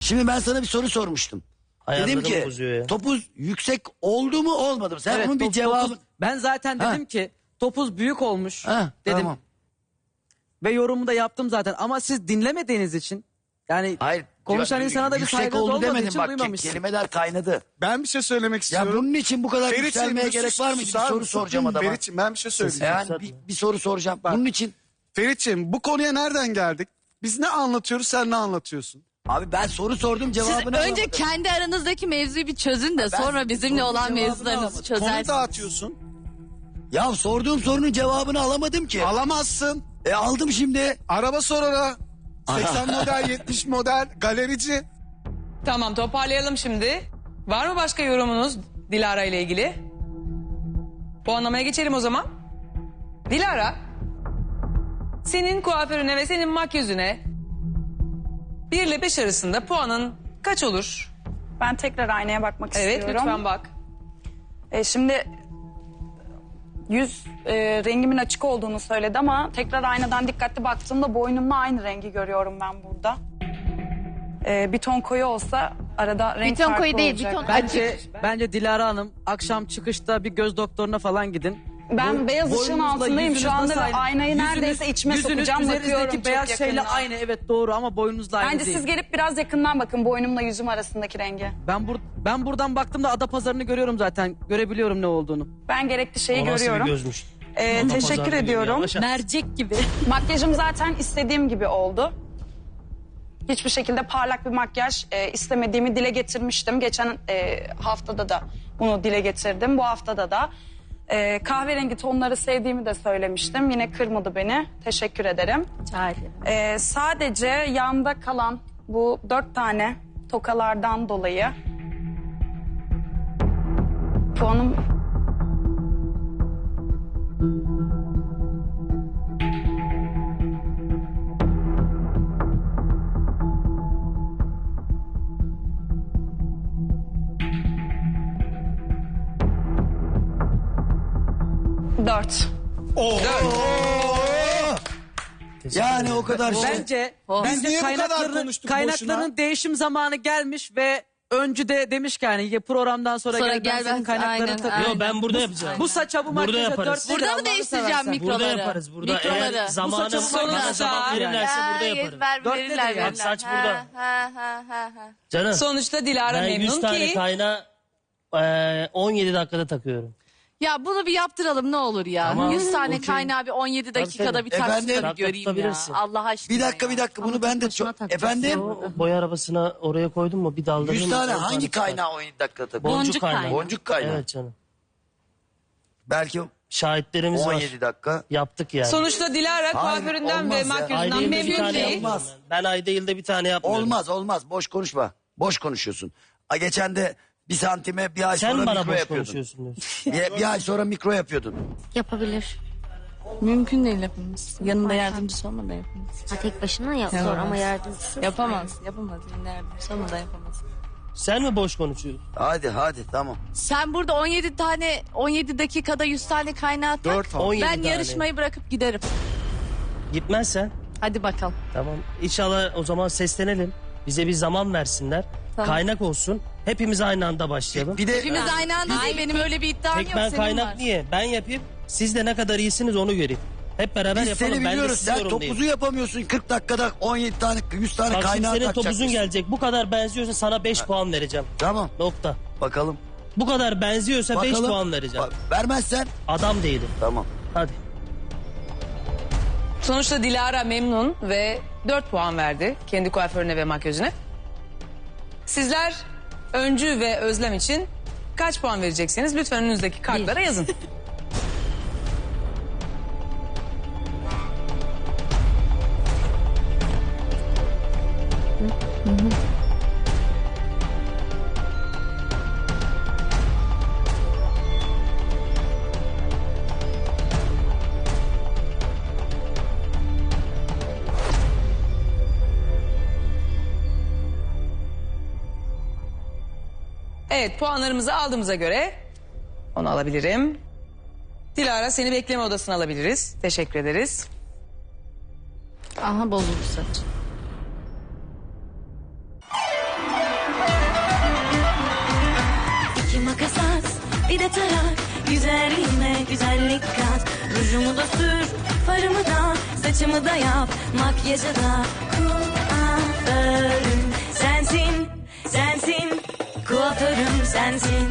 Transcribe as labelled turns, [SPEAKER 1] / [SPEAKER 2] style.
[SPEAKER 1] Şimdi ben sana bir soru sormuştum. Dedim ki topuz yüksek oldu mu olmadı mı? Sen
[SPEAKER 2] Evet,
[SPEAKER 1] onun bir cevabı...
[SPEAKER 2] Ben zaten dedim ki topuz büyük olmuş dedim.
[SPEAKER 1] Tamam.
[SPEAKER 2] Ve yorumu da yaptım zaten ama siz dinlemediğiniz için yani
[SPEAKER 1] Hayır,
[SPEAKER 2] konuşan insana da bir
[SPEAKER 1] yüksek
[SPEAKER 2] saygınız
[SPEAKER 1] oldu
[SPEAKER 2] olmadığı
[SPEAKER 1] demedim
[SPEAKER 2] için
[SPEAKER 1] bak,
[SPEAKER 2] duymamışsın.
[SPEAKER 1] kelimeler kaynadı.
[SPEAKER 3] Ben bir şey söylemek
[SPEAKER 1] Ya
[SPEAKER 3] istiyorum.
[SPEAKER 1] bunun için bu kadar
[SPEAKER 3] Ferit'ciğim,
[SPEAKER 1] yükselmeye
[SPEAKER 3] bir
[SPEAKER 1] gerek var mı? Bir
[SPEAKER 3] susar
[SPEAKER 1] soru
[SPEAKER 3] mısın?
[SPEAKER 1] soracağım adama.
[SPEAKER 3] Ferit'ciğim ben bir şey söyleyeceğim.
[SPEAKER 1] Yani bir soru soracağım. Bunun için...
[SPEAKER 3] Ferit'ciğim bu konuya nereden geldik? Biz ne anlatıyoruz, sen ne anlatıyorsun?
[SPEAKER 1] Abi ben soru sordum,
[SPEAKER 4] Siz
[SPEAKER 1] cevabını
[SPEAKER 4] önce
[SPEAKER 1] alamadım.
[SPEAKER 4] kendi aranızdaki mevzuyu bir çözün de sonra bizimle olan
[SPEAKER 1] cevabını
[SPEAKER 4] mevzularınızı
[SPEAKER 1] alamadım.
[SPEAKER 3] Konu
[SPEAKER 4] çözersiniz.
[SPEAKER 3] dağıtıyorsun.
[SPEAKER 1] Ya sorduğum sorunun cevabını alamadım ki.
[SPEAKER 3] Alamazsın.
[SPEAKER 1] Aldım şimdi.
[SPEAKER 3] Araba sor ona. 80 model, 70 model, galerici.
[SPEAKER 5] Tamam, toparlayalım şimdi. Var mı başka yorumunuz Dilara ile ilgili? Puanlamaya geçelim o zaman. Dilara, senin kuaförüne ve senin makyözüne 1 ile 5 arasında puanın kaç olur?
[SPEAKER 6] Ben tekrar aynaya bakmak
[SPEAKER 5] Evet,
[SPEAKER 6] istiyorum.
[SPEAKER 5] lütfen bak.
[SPEAKER 6] Şimdi yüz rengimin açık olduğunu söyledi ama tekrar aynadan dikkatli baktığımda boynumla aynı rengi görüyorum ben burada. Bir ton koyu olsa arada renk
[SPEAKER 4] ton
[SPEAKER 6] farkı
[SPEAKER 4] koyu değil,
[SPEAKER 6] olacak.
[SPEAKER 4] bir ton
[SPEAKER 2] Bence Dilara Hanım akşam çıkışta bir göz doktoruna falan gidin.
[SPEAKER 6] Ben beyaz ışığın
[SPEAKER 2] Boynunuzla
[SPEAKER 6] altındayım
[SPEAKER 2] yüzünüz
[SPEAKER 6] şu anda
[SPEAKER 2] nasıl
[SPEAKER 6] ve
[SPEAKER 2] aynı?
[SPEAKER 6] aynayı neredeyse içime sokacağım, bakıyorum
[SPEAKER 2] üzerinizdeki
[SPEAKER 6] çok
[SPEAKER 2] beyaz şeyle
[SPEAKER 6] yakından.
[SPEAKER 2] aynı, evet doğru, ama boynunuzla aynı
[SPEAKER 6] Bence
[SPEAKER 2] değil.
[SPEAKER 6] siz gelip biraz yakından bakın boynumla yüzüm arasındaki rengi.
[SPEAKER 2] Ben buradan baktığımda Adapazarı'nı görüyorum zaten. Görebiliyorum ne olduğunu.
[SPEAKER 6] Ben gerekli şeyi
[SPEAKER 7] O nasıl bir
[SPEAKER 6] görüyorum.
[SPEAKER 7] gözmüş?
[SPEAKER 6] Teşekkür ediyorum.
[SPEAKER 4] Mercek gibi.
[SPEAKER 6] Makyajım zaten istediğim gibi oldu. Hiçbir şekilde parlak bir makyaj istemediğimi dile getirmiştim. Geçen haftada da bunu dile getirdim. Bu haftada da kahverengi tonları sevdiğimi de söylemiştim. Yine kırmadı beni. Teşekkür ederim.
[SPEAKER 4] Rica ederim.
[SPEAKER 6] Sadece yanda kalan bu 4 tane tokalardan dolayı puanım... Dört.
[SPEAKER 1] Yani o kadar şey.
[SPEAKER 2] Bence
[SPEAKER 3] niye bu kadar konuştuk
[SPEAKER 2] kaynakların
[SPEAKER 3] boşuna?
[SPEAKER 2] değişim zamanı gelmiş ve öncü de demiş ki yani ya programdan sonra
[SPEAKER 4] Sonra
[SPEAKER 2] gel ben
[SPEAKER 4] gel
[SPEAKER 2] senin
[SPEAKER 4] ben-
[SPEAKER 2] kaynaklarını
[SPEAKER 4] aynen,
[SPEAKER 2] takayım.
[SPEAKER 4] aynen.
[SPEAKER 7] Yo, ben burada yapacağım.
[SPEAKER 2] Bu saça bu
[SPEAKER 7] Burada
[SPEAKER 2] makyaja
[SPEAKER 7] yaparız.
[SPEAKER 2] 4
[SPEAKER 4] Burada mı değiştireceğim mikroları?
[SPEAKER 7] Burada yaparız. Burada
[SPEAKER 4] Mikroları.
[SPEAKER 7] eğer zamanım
[SPEAKER 2] Bu saçın
[SPEAKER 7] bana
[SPEAKER 2] sonunda-
[SPEAKER 7] zaman verirlerse burada yaparım.
[SPEAKER 4] Verirler.
[SPEAKER 7] Bak saç burada.
[SPEAKER 4] Ha.
[SPEAKER 7] Canım
[SPEAKER 5] Sonuçta Dilara
[SPEAKER 7] ben 100
[SPEAKER 5] memnun
[SPEAKER 7] tane
[SPEAKER 5] ki...
[SPEAKER 7] kaynağı 17 dakikada takıyorum.
[SPEAKER 4] Ya bunu bir yaptıralım ne olur ya.
[SPEAKER 7] Tamam.
[SPEAKER 4] 100 tane
[SPEAKER 7] Okey.
[SPEAKER 4] kaynağı bir 17 dakikada
[SPEAKER 7] tabii.
[SPEAKER 4] bir taksana
[SPEAKER 1] Efendim?
[SPEAKER 4] bir göreyim ya.
[SPEAKER 7] Tutabilirsin.
[SPEAKER 4] Allah aşkına
[SPEAKER 1] Bir dakika
[SPEAKER 4] ya.
[SPEAKER 1] bir dakika bunu ben de
[SPEAKER 4] başına
[SPEAKER 1] çok...
[SPEAKER 4] takacağız.
[SPEAKER 1] Efendim?
[SPEAKER 7] O boya arabasına oraya koydum mu bir daldırdım.
[SPEAKER 1] 100 tane
[SPEAKER 7] oradan
[SPEAKER 1] hangi
[SPEAKER 7] çıkar.
[SPEAKER 1] kaynağı 17 dakikada takıyor?
[SPEAKER 7] Boncuk kaynağı.
[SPEAKER 1] Boncuk kaynağı.
[SPEAKER 7] Evet canım.
[SPEAKER 1] Belki
[SPEAKER 7] Şahitlerimiz
[SPEAKER 1] 17
[SPEAKER 7] var.
[SPEAKER 1] dakika.
[SPEAKER 7] Yaptık yani.
[SPEAKER 5] Sonuçta Dilara kuaföründen
[SPEAKER 1] olmaz
[SPEAKER 5] ve
[SPEAKER 1] ya.
[SPEAKER 5] makyajından
[SPEAKER 7] Ayda yılda bir
[SPEAKER 5] memnun
[SPEAKER 7] tane
[SPEAKER 5] değil.
[SPEAKER 7] yapmıyorum
[SPEAKER 1] Olmaz.
[SPEAKER 7] ben. Ben ayda yılda bir tane yapmıyorum.
[SPEAKER 1] Olmaz boş konuşma. Boş konuşuyorsun. Geçen de bir santime bir ay
[SPEAKER 7] Sen
[SPEAKER 1] sonra
[SPEAKER 7] bana
[SPEAKER 1] mikro
[SPEAKER 7] boş
[SPEAKER 1] yapıyordun.
[SPEAKER 7] konuşuyorsun diyorsun.
[SPEAKER 1] Bir ay sonra mikro yapıyordun.
[SPEAKER 8] Yapabilir.
[SPEAKER 9] Mümkün değil yapamaz. Yanında yardımcısı olmadan yapamaz.
[SPEAKER 8] Ha, tek başına yap zor ama yardımcısı.
[SPEAKER 9] Yapamaz. Yapamaz. Yanında yardımcısı olmadan yapamaz.
[SPEAKER 7] Sen mi boş konuşuyorsun?
[SPEAKER 1] Hadi tamam.
[SPEAKER 4] Sen burada 17 dakikada 100 tane kaynağı tak.
[SPEAKER 3] 4 tane.
[SPEAKER 7] 17
[SPEAKER 4] Ben
[SPEAKER 7] tane.
[SPEAKER 4] yarışmayı bırakıp giderim.
[SPEAKER 7] Gitmezsen
[SPEAKER 4] Hadi bakalım.
[SPEAKER 7] tamam. İnşallah o zaman seslenelim. Bize bir zaman versinler.
[SPEAKER 4] Tamam.
[SPEAKER 7] Kaynak olsun. Hepimiz aynı anda başlayalım.
[SPEAKER 1] Bir de
[SPEAKER 4] Hepimiz aynı anda değil. Benim öyle bir iddiam
[SPEAKER 7] Tek
[SPEAKER 4] yok.
[SPEAKER 7] ben
[SPEAKER 4] Senin
[SPEAKER 7] kaynak
[SPEAKER 4] var.
[SPEAKER 7] niye? Ben yapayım. Siz de ne kadar iyisiniz onu göreyim. Hep beraber
[SPEAKER 1] biz
[SPEAKER 7] yapalım.
[SPEAKER 1] seni
[SPEAKER 7] Ben de
[SPEAKER 1] biliyoruz.
[SPEAKER 7] sizi
[SPEAKER 1] Sen
[SPEAKER 7] yorumlayayım.
[SPEAKER 1] topuzu yapamıyorsun. 40 dakikada 17 tane 100 tane
[SPEAKER 7] Bak şimdi
[SPEAKER 1] kaynağı
[SPEAKER 7] senin
[SPEAKER 1] takacakmışsın.
[SPEAKER 7] topuzun gelecek. Bu kadar benziyorsa sana 5 puan vereceğim.
[SPEAKER 1] Tamam
[SPEAKER 7] Nokta.
[SPEAKER 1] bakalım.
[SPEAKER 7] Bu kadar benziyorsa 5
[SPEAKER 1] Bakalım.
[SPEAKER 7] puan vereceğim.
[SPEAKER 1] Vermezsen
[SPEAKER 7] Adam değilim.
[SPEAKER 1] tamam.
[SPEAKER 7] Hadi.
[SPEAKER 5] Sonuçta Dilara memnun ve 4 puan verdi kendi kuaförüne ve makyajına. Sizler Öncü ve Özlem için kaç puan vereceksiniz? Lütfen önünüzdeki kartlara yazın. Evet, puanlarımızı aldığımıza göre onu alabilirim. Dilara, seni bekleme odasına alabiliriz. Teşekkür ederiz.
[SPEAKER 9] Aha bozuldu saç.
[SPEAKER 10] bir de tarak. Güzelliğime güzellik kat. Rujumu da sür, farımı da, saçımı da yap, makyajı da. Kuaförüm sensin, sensin. Kuaförüm sensin.